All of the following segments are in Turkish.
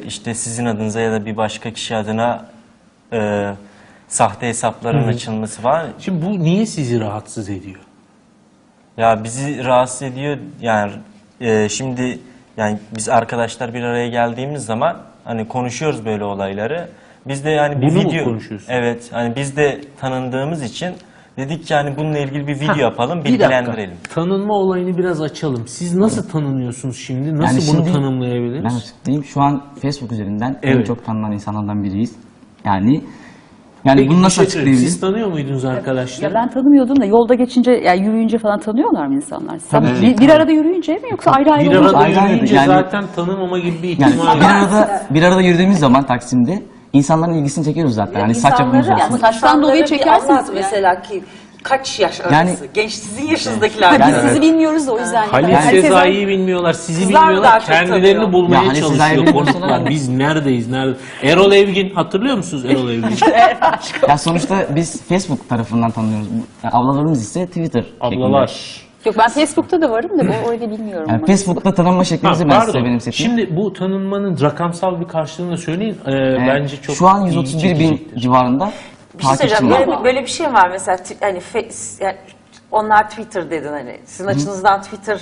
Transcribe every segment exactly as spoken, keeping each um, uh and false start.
işte sizin adınıza ya da bir başka kişi adına e, sahte hesapların Hı hı. açılması falan. Şimdi bu niye sizi rahatsız ediyor? Ya bizi rahatsız ediyor yani e, şimdi yani biz arkadaşlar bir araya geldiğimiz zaman hani konuşuyoruz böyle olayları. Biz de yani bir Bunu mu video konuşuyorsunuz? evet hani biz de tanındığımız için dedik ki hani bununla ilgili bir video Ha, yapalım, bir dakika. bilgilendirelim. Tanınma olayını biraz açalım. Siz nasıl tanınıyorsunuz şimdi? Nasıl Yani bunu şimdi tanımlayabiliriz? Ben açıklayayım. Şu an Facebook üzerinden en Evet. çok tanınan insanlardan biriyiz. Yani yani Peki, bunu bir nasıl şey söyleyeyim. açıklayabiliriz? Siz tanıyor muydunuz arkadaşlar? Ya ben tanımıyordum da yolda geçince, yani yürüyünce falan tanıyorlar mı insanlar? Sen Tabii. bir, bir arada yürüyünce mi yoksa ayrı ayrı Bir olunca arada mı? Ayrı ayrı, yürüyünce yani- zaten tanımama gibi bir Yani ihtimal bir var. arada bir arada yürüdüğümüz zaman Taksim'de insanların ilgisini çekiyoruz zaten. Yani saç yapımız İnsanları- olsun. Saçtan insanları dolayı bir çekersiniz anlat yani. mesela ki kaç yaş arası? Yani- Genç sizin yaşınızdakiler. Ha, biz gibi. sizi bilmiyoruz da o yüzden. Halil Yani herkes- Sezai'yi bilmiyorlar, sizi Kızlar mı bilmiyorlar, daha çok kendilerini tanıyor? bulmaya Ya Halil Sezai'yi çalışıyor bilmiyorlar. konuklar. Biz neredeyiz, nerede? Erol Evgin, hatırlıyor musunuz Erol Evgin? Ya sonuçta biz Facebook tarafından tanıyoruz. Yani ablalarımız ise Twitter şeklinde. Ablalar. Yok, ben Facebook'ta da varım da o öyle bilmiyorum. Yani ama. Facebook'ta tanınma Ha, şeklimizi ben size pardon. benimsettim. Şimdi bu tanınmanın rakamsal bir karşılığını da söyleyin. Ee, Ee, bence çok şu an ilgi yüz otuz bir bin çekecektir. civarında Bir şey takipçim söyleyeceğim. var. Böyle, böyle bir şey var mesela ti- hani fe- yani onlar Twitter dedin hani. Sizin açınızdan Twitter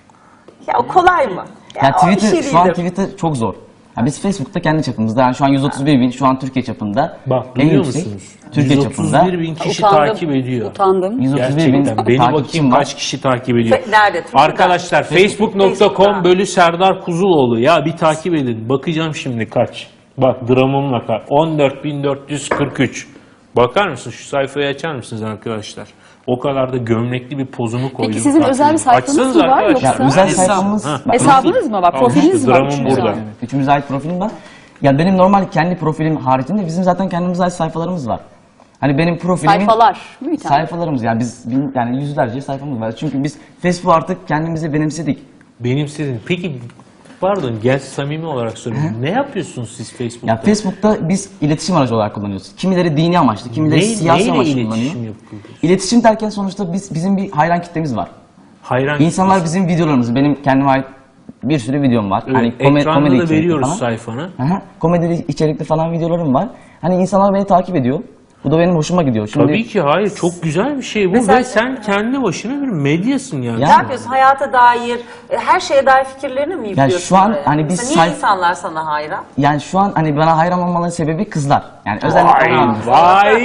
ya o kolay mı? Ya o bir Twitter, şey şu an değildir. Twitter çok zor. Ya biz Facebook'ta kendi çapımızda, yani şu an yüz otuz bir bin, şu an Türkiye çapında Bak en duyuyor yüksek. musunuz? Türkiye çapında yüz otuz bir bin kişi Utandım, takip ediyor. Utandım. yüz otuz bir bin Gerçekten. Beni takipçim bakayım var. kaç kişi takip ediyor. Fe- nerede? Twitter'da. Arkadaşlar facebook nokta com Facebook'ta. bölü Serdar Kuzuloğlu. Ya bir takip edin. Bakacağım şimdi kaç. Bak dramımla kaç. on dört bin dört yüz kırk üç. Bakar mısın? Şu sayfayı açar mısınız arkadaşlar? O kadar da gömlekli bir pozumu koydum. Peki sizin Takip özel bir edin. sayfanız Açsanız mı var arkadaşlar. Ya özel Hesap. sayfamız, Ha. bak, Hesabınız mı var? Al Profiliniz işte, mi var? dramım Üçünüz burada. var. evet, üçümüze ait profilim var. Ya benim normal kendi profilim haricinde bizim zaten kendimize ait sayfalarımız var. Hani benim profilimin Sayfalar. Değil mi bir tane? sayfalarımız, yani biz bin, yani yüzlerce sayfamız var. Çünkü biz Facebook artık kendimize benimsedik. Benimsedin. Peki pardon gel samimi olarak sorayım. Ne yapıyorsunuz siz Facebook'ta? Ya Facebook'ta biz iletişim aracı olarak kullanıyoruz. Kimileri dini amaçlı, kimileri Ne- siyasi neyle amaçlı iletişim kullanıyor. yapıyorsunuz? İletişim derken sonuçta biz bizim bir hayran kitlemiz var. Hayran İnsanlar bizim videolarımızı, benim kendime ait bir sürü videom var. Evet, hani kome- ekranda komedi da içerikli veriyoruz falan. sayfanı. Hı hı. Komedi içerikli falan videolarım var. Hani insanlar beni takip ediyor. Bu da benim hoşuma gidiyor. Şimdi Tabii ki hayır çok güzel bir şey bu Mesela- ve sen kendi başına bir medyasın yani. Ya- Ne yapıyorsun? Hayata dair, e, her şeye dair fikirlerini mi yüklüyorsun? şu an oraya? hani biz Mesela niye sayf- insanlar sana hayran? yani şu an hani bana hayran olmaların sebebi kızlar. Yani özellikle Vay onlar. vay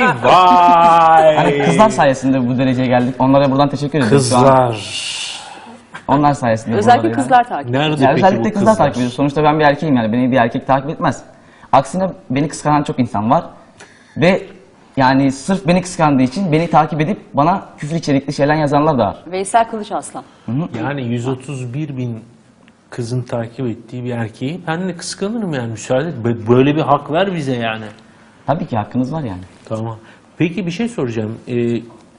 vay. Hani kızlar sayesinde bu dereceye geldik. Onlara buradan teşekkür ediyoruz şu an. Kızlar. Onlar sayesinde Özellikle buralara kızlar takip ediyor. Nerede Ya peki özellikle bu kızlar, kızlar? takip ediyor. Sonuçta ben bir erkeğim, yani beni bir erkek takip etmez. Aksine beni kıskanan çok insan var. Ve yani sırf beni kıskandığı için beni takip edip bana küfür içerikli şeyler yazanlar da var. Veysel Kılıç Aslan. Yani yüz otuz bir bin kızın takip ettiği bir erkeği ben de kıskanırım yani müsaade et. Bö- Böyle bir hak ver bize yani. Tabii ki hakkınız var yani. Tamam. Peki bir şey soracağım. Ee,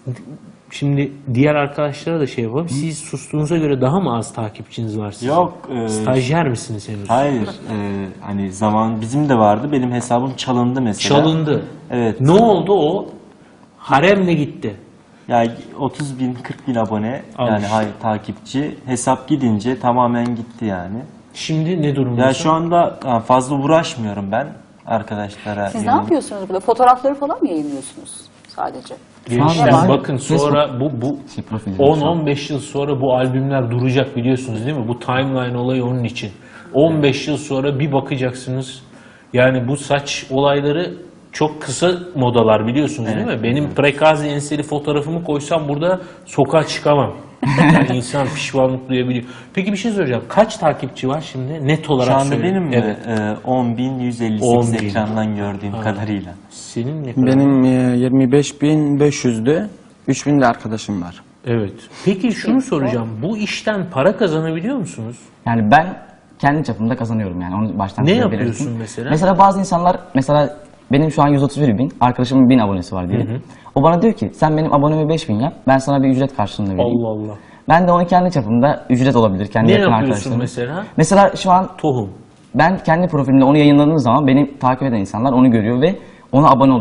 şimdi diğer arkadaşlara da şey yapalım. Siz sustuğunuza göre daha mı az takipçiniz var sizin? Yok. e, Stajyer misiniz henüz? hayır. e, hani zaman bizim de vardı. Benim hesabım çalındı mesela. Çalındı. Evet. Ne oldu o? Haremle gitti. Ya otuz bin kırk bin abone Al yani işte. hayır takipçi hesap gidince tamamen gitti yani. Şimdi ne durumda? Ya şu anda ha, fazla uğraşmıyorum ben arkadaşlara. Siz ne yönelik. yapıyorsunuz burada? Fotoğrafları falan mı yayınlıyorsunuz sadece? Gençler Şu anda bakın Facebook- sonra bu bu Şey, profili on şu an. on beş yıl sonra bu albümler duracak biliyorsunuz değil mi? Bu timeline olayı onun için. on beş yıl sonra bir bakacaksınız. Yani bu saç olayları çok kısa modalar biliyorsunuz değil mi? Benim prekazi enseli fotoğrafımı koysam burada sokağa çıkamam. Yani insan pişmanlık duyabiliyor. Peki bir şey soracağım. Kaç takipçi var şimdi? Net olarak Şu anda söyle. benim mi? Evet. E, on bin yüz elli on sekiz bin. ekrandan gördüğüm kadarıyla. Senin ne kadar? Benim e, yirmi beş bin beş yüzde üç bin de arkadaşım var. Evet. Peki şunu soracağım. Bu işten para kazanabiliyor musunuz? Yani ben kendi çapımda kazanıyorum yani. Onu baştan Ne size yapıyorsun belirteyim. mesela? Mesela bazı insanlar, mesela benim şu an yüz otuz bir bin, arkadaşımın bin abonesi var diyelim. O bana diyor ki sen benim abonemi beş bin yap, ben sana bir ücret karşılığında vereyim. Allah Allah. Ben de onu kendi çapımda ücret olabilir, kendi Ne yakın yapıyorsun arkadaşlarım. mesela? Mesela şu an Tohum. ben kendi profilimde onu yayınladığım zaman beni takip eden insanlar onu görüyor ve ona abone oluyorlar.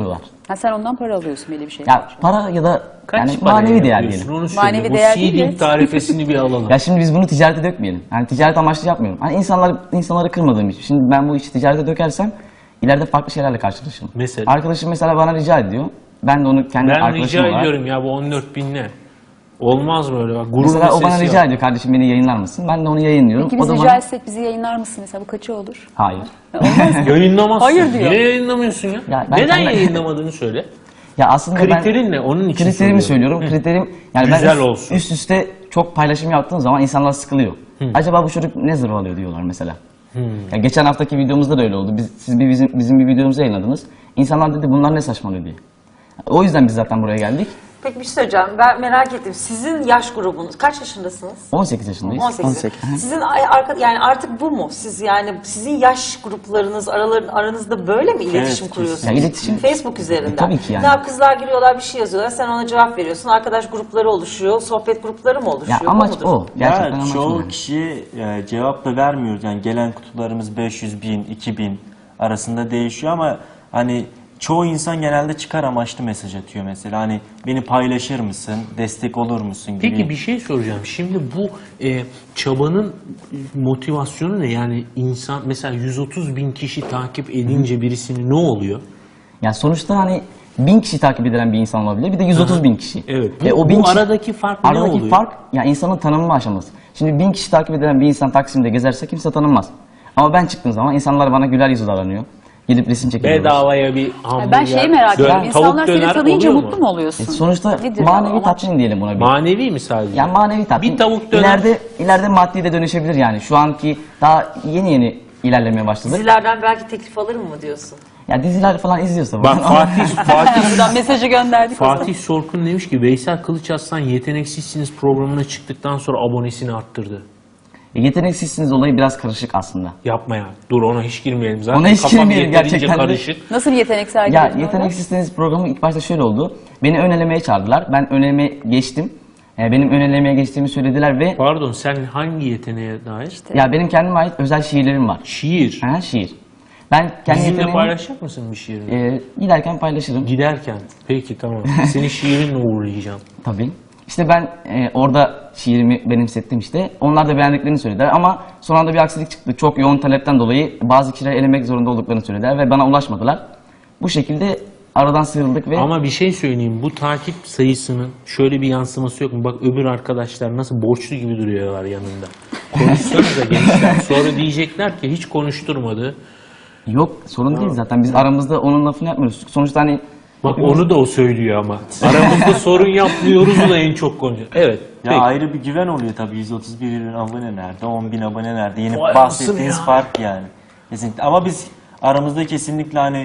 Ha, sen ondan para alıyorsun belli bir şey. Ya para ya da Kaç yani paraya manevi değer yapıyorsun? diyelim. Onu söyle. Manevi Bu değer değil de- seeding tarifesini bir alalım. Ya şimdi biz bunu ticarete dökmeyelim. Yani ticaret amaçlı yapmıyorum. Hani insanlar insanları kırmadığım için. Şimdi ben bu işi ticarete dökersem ileride farklı şeylerle karşılaşırım. Mesela? Arkadaşım mesela bana rica ediyor. Ben de onu kendi Ben arkadaşım rica olarak. ediyorum ya bu on dört bin ne? Olmaz böyle bak gurur Mesela o bana meselesi rica yok. ediyor, kardeşim beni yayınlar mısın? Ben de onu yayınlıyorum. Peki o biz da rica bana... etsek bizi yayınlar mısın mesela, bu kaçı olur? Hayır. Yayınlamazsın. Hayır diyor. Niye yayınlamıyorsun ya? Ya ben Neden kendi- yayınlamadığını söyle. Ya aslında Kriterin ben... ne? Onun için Kriterimi soruyorum. söylüyorum. Kriterim yani ben Güzel üst, olsun. üst üste çok paylaşım yaptığım zaman insanlar sıkılıyor. Acaba bu çocuk ne zırvalıyor diyorlar mesela. Ya geçen haftaki videomuzda da öyle oldu. Biz, siz bir bizim, bizim bir videomuzu yayınladınız. İnsanlar dedi bunlar ne saçmalıyor diye. O yüzden biz zaten buraya geldik. Peki bir şey söyleyeceğim. Ben merak ettim. Sizin yaş grubunuz kaç yaşındasınız? on sekiz yaşındayız. on sekiz. on sekiz. Sizin ay- arka, yani artık bu mu? Siz yani sizin yaş gruplarınız aralar, aranızda böyle mi iletişim Evet, kuruyorsunuz? Ya iletişim- Facebook üzerinden. E, tabii ki yani. Ne yap, kızlar giriyorlar bir şey yazıyorlar. Sen ona cevap veriyorsun. Arkadaş grupları oluşuyor. Sohbet grupları mı oluşuyor? Ya amaç mudur? o. Gerçekten Ya amaç çoğu o. kişi e, cevap da vermiyoruz. Yani gelen kutularımız beş yüz bin, iki bin arasında değişiyor ama hani çoğu insan genelde çıkar amaçlı mesaj atıyor mesela. Hani beni paylaşır mısın, destek olur musun gibi. Peki bir şey soracağım. Şimdi bu e, çabanın motivasyonu ne? Yani insan mesela yüz otuz bin kişi takip edince birisini ne oluyor? Yani sonuçta hani bin kişi takip edilen bir insan olabilir. Bir de yüz otuz bin kişi. Evet. Bu- Ve o bu bin kişi- aradaki fark ne aradaki oluyor? fark ya insanın tanınma aşaması. Şimdi bin kişi takip edilen bir insan Taksim'de gezerse kimse tanınmaz. Ama ben çıktığım zaman insanlar bana güler yüzü davranıyor. Gidip resim çekiyorlar. Bedavaya bir hamburger, Ben şeyi merak dön- ediyorum. İnsanlar tavuk seni döner tanıyınca oluyor mutlu mu oluyorsun? E sonuçta Nedir manevi amaç? tatmin diyelim buna bir. Manevi mi sadece? Yani manevi tatmin. Bir tavuk döner. İleride, ileride maddi de dönüşebilir yani. Şu anki daha yeni yeni ilerlemeye başladık. Dizilerden belki teklif alırım mı diyorsun? Ya diziler falan izliyorsa. Bak Fatih, Fatih, Buradan mesajı gönderdik o zaman. Fatih Sorkun demiş ki Veysel Kılıçarslan yeteneksizsiniz programına çıktıktan sonra abonesini arttırdı. E, yeteneksizsiniz olayı biraz karışık aslında. Yapma ya. Dur ona hiç girmeyelim. Zaten Ona hiç kafam girmeyelim yeterince gerçekten de. karışık. Nasıl bir yetenek Ya sergiledin orada? yeteneksizsiniz programı ilk başta şöyle oldu. Beni ön elemeye çağırdılar. Ben ön elemeye geçtim. E, benim ön elemeye geçtiğimi söylediler ve Pardon sen hangi yeteneğe dair? ya benim kendime ait özel şiirlerim var. Şiir. Ha, şiir. Ben kendi Bizimle yeteneğimi paylaşacak mısın bir şiirini? e, giderken paylaşırım. Giderken. Peki tamam. Seni şiirinle uğurlayacağım. Tabii. İşte ben e, orada şiirimi benimsettim işte. Onlar da beğendiklerini söylediler ama son anda bir aksilik çıktı. Çok yoğun talepten dolayı bazı kişileri elemek zorunda olduklarını söylediler ve bana ulaşmadılar. Bu şekilde aradan sıyrıldık ve Ama bir şey söyleyeyim. Bu takip sayısının şöyle bir yansıması yok mu? Bak öbür arkadaşlar nasıl borçlu gibi duruyorlar yanında. Konuşsanıza gençler. Sonra diyecekler ki hiç konuşturmadı. yok sorun değil zaten. Biz aramızda onun lafını yapmıyoruz. Sonuçta hani Bak onu da o söylüyor ama. Aramızda sorun yapmıyoruz da en çok konuşuyor. Evet. Ya peki. ayrı bir güven oluyor tabii. yüz otuz bir bin abone nerede, on bin abone nerede? Yeni Vay bahsettiğiniz anasını ya. fark yani. Kesinlikle. Ama biz aramızda kesinlikle hani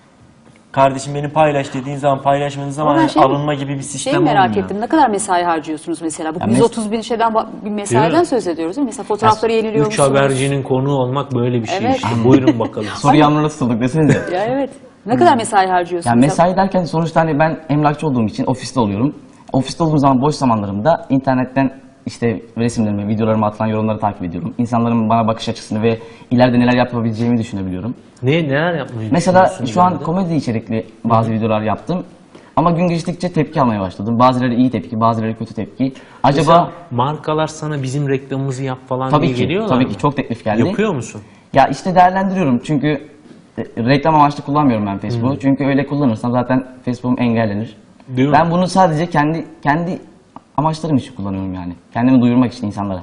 kardeşim beni paylaş dediğin zaman paylaşmadığın zaman Ama ben hani şey- alınma gibi bir sistem Şeyi merak olmuyor. ettim. Ne kadar mesai harcıyorsunuz mesela? Bu Ya yüz mes- otuz bin şeyden ba- bir Değil mesaiden mi? söz ediyoruz değil mi? Mesela fotoğrafları yeniliyor Üç musunuz? habercinin konuğu olmak böyle bir şey Evet. işte. Buyurun bakalım. soru yağmuruna tutulduk desenize. Ya evet. Ne kadar mesai harcıyorsunuz? Yani mesai derken sonuçta hani ben emlakçı olduğum için ofiste oluyorum. Ofiste olduğum zaman boş zamanlarımda internetten işte resimlerimi, videolarımı atılan yorumları takip ediyorum. İnsanların bana bakış açısını ve ileride neler yapabileceğimi düşünebiliyorum. Ne neler yapmayı Mesela düşünüyorsun şu an ileride? komedi içerikli bazı videolar yaptım. Ama gün geçtikçe tepki almaya başladım. Bazıları iyi tepki, bazıları kötü tepki. Acaba Mesela markalar sana bizim reklamımızı yap falan tabii diye ki, geliyorlar tabii mı? ki çok teklif geldi. Yapıyor musun? Ya işte değerlendiriyorum çünkü e, reklam amaçlı kullanmıyorum ben Facebook'u. Çünkü öyle kullanırsam zaten Facebook'um engellenir. Değil mi? Ben bunu sadece kendi kendi amaçlarım için kullanıyorum yani. Kendimi duyurmak için insanlara.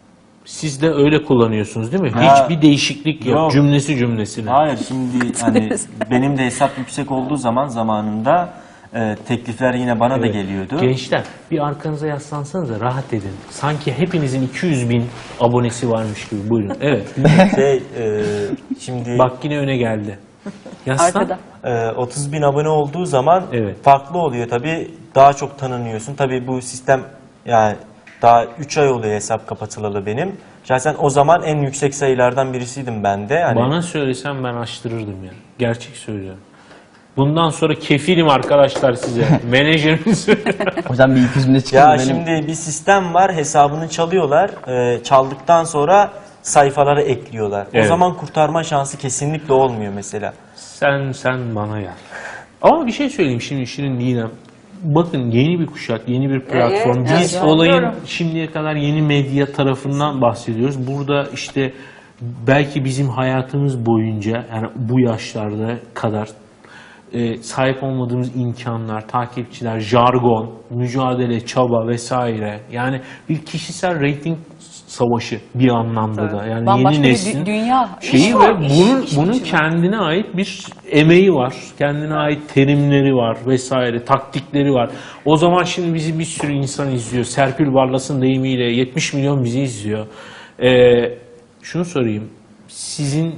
Siz de öyle kullanıyorsunuz değil mi? Ha. Hiçbir değişiklik yok. Yok. Cümlesi cümlesine. Hayır şimdi hani benim de hesap yüksek olduğu zaman zamanında e, teklifler yine bana da Evet. geliyordu. Gençler bir arkanıza yaslansanıza rahat edin. Sanki hepinizin iki yüz bin abonesi varmış gibi. Buyurun. Evet. Şey, e, şimdi Bak yine öne geldi. Yaslan. Arkada. e, otuz bin abone olduğu zaman Evet. farklı oluyor tabii. Daha çok tanınıyorsun. Tabii bu sistem yani daha üç ay oluyor hesap kapatılalı benim. Şahsen o zaman en yüksek sayılardan birisiydim ben de. Hani Bana söylesem ben açtırırdım ya. Gerçek söylüyorum. Bundan sonra kefilim arkadaşlar size. Menajeriniz. O yüzden bir iki yüz bine çıkıyor. ya benim. şimdi bir sistem var, hesabını çalıyorlar. E, çaldıktan sonra sayfalara ekliyorlar. Evet. O zaman kurtarma şansı kesinlikle olmuyor mesela. sen sen bana gel. Ama bir şey söyleyeyim şimdi Şirin Didem. Bakın yeni bir kuşak, yeni bir platform. Evet, Biz evet, olayın biliyorum. şimdiye kadar yeni medya tarafından bahsediyoruz. Burada işte belki bizim hayatımız boyunca yani bu yaşlarda kadar e, sahip olmadığımız imkanlar, takipçiler, jargon, mücadele, çaba vesaire. Yani bir kişisel rating savaşı bir anlamda da. Yani Bambaşka yeni bir neslin dü- dünya. şeyi İş ve var, iş, bunun iş bunun içinde. kendine ait bir emeği var. Kendine ait terimleri var vesaire, taktikleri var. O zaman şimdi bizi bir sürü insan izliyor. Serpil Barlas'ın deyimiyle yetmiş milyon bizi izliyor. Ee, şunu sorayım. Sizin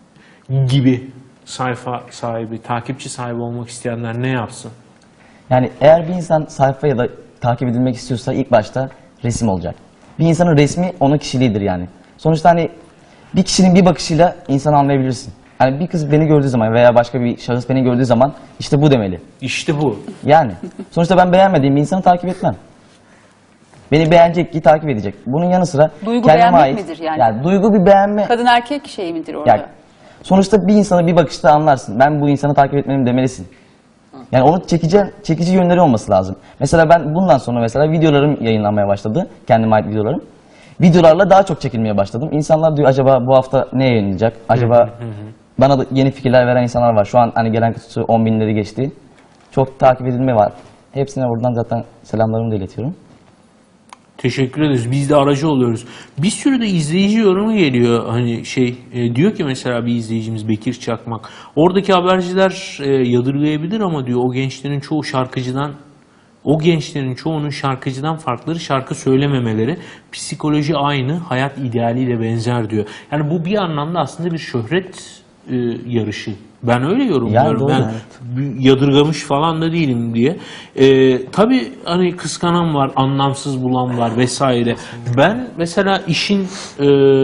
gibi sayfa sahibi, takipçi sahibi olmak isteyenler ne yapsın? Yani eğer bir insan sayfa ya da takip edilmek istiyorsa ilk başta resim olacak. Bir insanın resmi onun kişiliğidir yani. Sonuçta hani bir kişinin bir bakışıyla insanı anlayabilirsin. Yani bir kız beni gördüğü zaman veya başka bir şahıs beni gördüğü zaman işte bu demeli. İşte bu. Yani sonuçta ben beğenmediğim bir insanı takip etmem. Beni beğenecek ki takip edecek. Bunun yanı sıra Duygu kendime beğenmek ait. midir yani? Duygu bir beğenme. Kadın erkek şey midir orada? Yani sonuçta bir insanı bir bakışta anlarsın. Ben bu insanı takip etmeliyim demelisin. Yani onu çekici, çekici yönleri olması lazım. Mesela ben bundan sonra mesela videolarım yayınlanmaya başladı. Kendime ait videolarım. Videolarla daha çok çekilmeye başladım. İnsanlar diyor acaba bu hafta ne yayınlanacak? Acaba bana da yeni fikirler veren insanlar var. Şu an hani gelen kutusu on binleri geçti. Çok takip edilme var. Hepsine buradan zaten selamlarımı da iletiyorum. Teşekkür ederiz. Biz de aracı oluyoruz. Bir sürü de izleyici yorumu geliyor. Hani şey e, diyor ki mesela bir izleyicimiz Bekir Çakmak. Oradaki haberciler e, yadırgayabilir ama diyor o gençlerin çoğu şarkıcıdan o gençlerin çoğunun şarkıcıdan farkları şarkı söylememeleri, psikoloji aynı, hayat idealiyle benzer diyor. Yani bu bir anlamda aslında bir şöhret e, yarışı. Ben öyle yorumluyorum. doğru, ben evet. bir yadırgamış falan da değilim diye. Ee, tabii hani kıskanan var, anlamsız bulan var vesaire. Ben mesela işin e,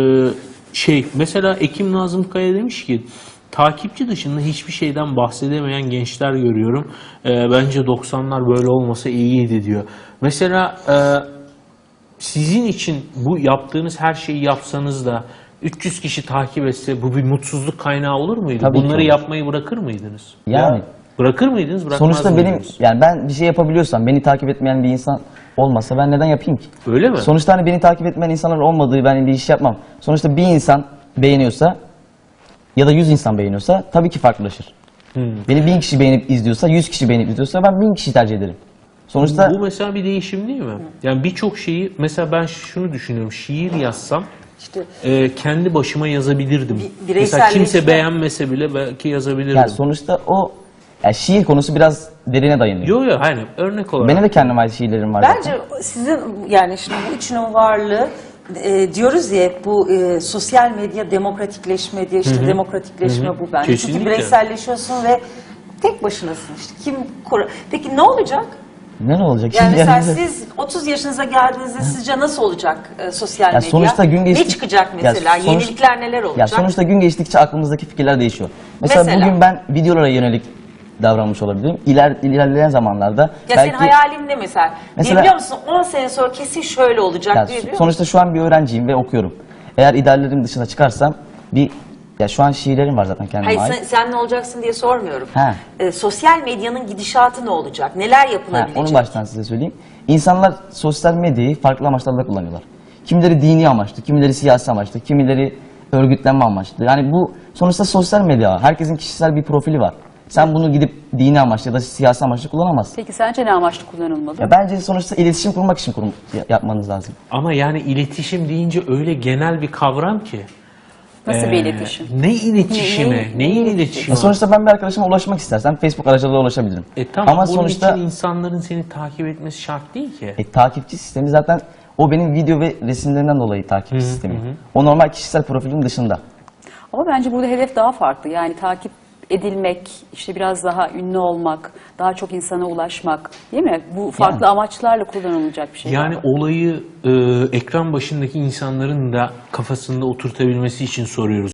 şey mesela Ekim Nazım Kaya demiş ki takipçi dışında hiçbir şeyden bahsedemeyen gençler görüyorum. Ee, bence doksanlar böyle olmasa iyiydi diyor. Mesela e, sizin için bu yaptığınız her şeyi yapsanız da üç yüz kişi takip etse bu bir mutsuzluk kaynağı olur muydu? Tabii ki Bunları olur. yapmayı bırakır mıydınız? Yani. Bırakır mıydınız? Bırakmaz Sonuçta benim mıydınız? yani ben bir şey yapabiliyorsam beni takip etmeyen bir insan olmasa ben neden yapayım ki? Öyle mi? Sonuçta hani beni takip etmeyen insanlar olmadığı ben bir iş yapmam. Sonuçta bir insan beğeniyorsa ya da yüz insan beğeniyorsa tabii ki farklılaşır. Hmm. Beni bin kişi beğenip izliyorsa, yüz kişi beğenip izliyorsa ben bin kişi tercih ederim. Sonuçta Bu mesela bir değişim değil mi? Yani birçok şeyi mesela ben şunu düşünüyorum. Şiir yazsam İşte e, kendi başıma yazabilirdim. Bi- Mesela kimse bireyselleşme. beğenmese bile belki yazabilirdim. yani sonuçta o yani şiir konusu biraz derine dayanıyor. Yok yok aynen örnek olarak. Benim de kendime ait şiirlerim var zaten. bence sizin yani şimdi bu üçünün varlığı e, diyoruz ya hep bu e, sosyal medya demokratikleşme diye işte demokratikleşme bu bence. Kesinlikle. Çünkü bireyselleşiyorsun ve tek başınasın işte. Kim kur- Peki ne olacak? Ne olacak? Yani Şimdi mesela yani- siz otuz yaşınıza geldiğinizde sizce nasıl olacak e, sosyal Ya medya? sonuçta gün Ne geçtik- çıkacak Ya mesela? sonuç- Yenilikler neler olacak? Ya sonuçta gün geçtikçe aklımızdaki fikirler değişiyor. Mesela, Mesela? bugün ben videolara yönelik davranmış olabilirim. İler, ilerleyen zamanlarda Ya belki senin hayalin ne mesela? Mesela- Biliyor musun on sene sonra kesin şöyle olacak ya diye biliyor musun? sonuçta şu an bir öğrenciyim ve okuyorum. Eğer ideallerim dışına çıkarsam bir ya şu an şiirlerim var zaten kendime Hayır ait. sen, sen ne olacaksın diye sormuyorum. Ha. Ee, sosyal medyanın gidişatı ne olacak? Neler Ha, yapılabilecek? onu baştan size söyleyeyim. İnsanlar sosyal medyayı farklı amaçlarla kullanıyorlar. Kimileri dini amaçlı, kimileri siyasi amaçlı, kimileri örgütlenme amaçlı. Yani bu sonuçta sosyal medya. Herkesin kişisel bir profili var. Sen bunu gidip dini amaçlı ya da siyasi amaçlı kullanamazsın. Peki sence ne amaçlı kullanılmalı? Ya bence sonuçta iletişim kurmak için kurum, ya- yapmanız lazım. Ama yani iletişim deyince öyle genel bir kavram ki. Nasıl Ee, bir iletişim? Ne iletişimi? Ne- ne- Neyin ne- iletişimi? Ya sonuçta ben bir arkadaşıma ulaşmak istersem Facebook aracılığıyla ulaşabilirim. E tamam Ama bunun sonuçta için insanların seni takip etmesi şart değil ki. e, takipçi sistemi zaten o benim video ve resimlerimden dolayı takipçi sistemi. O normal kişisel profilim dışında. Ama bence burada hedef daha farklı. Yani takip edilmek, işte biraz daha ünlü olmak, daha çok insana ulaşmak, değil mi? Bu farklı Yani. amaçlarla kullanılacak bir şey. Yani galiba. olayı e, ekran başındaki insanların da kafasında oturtabilmesi için soruyoruz.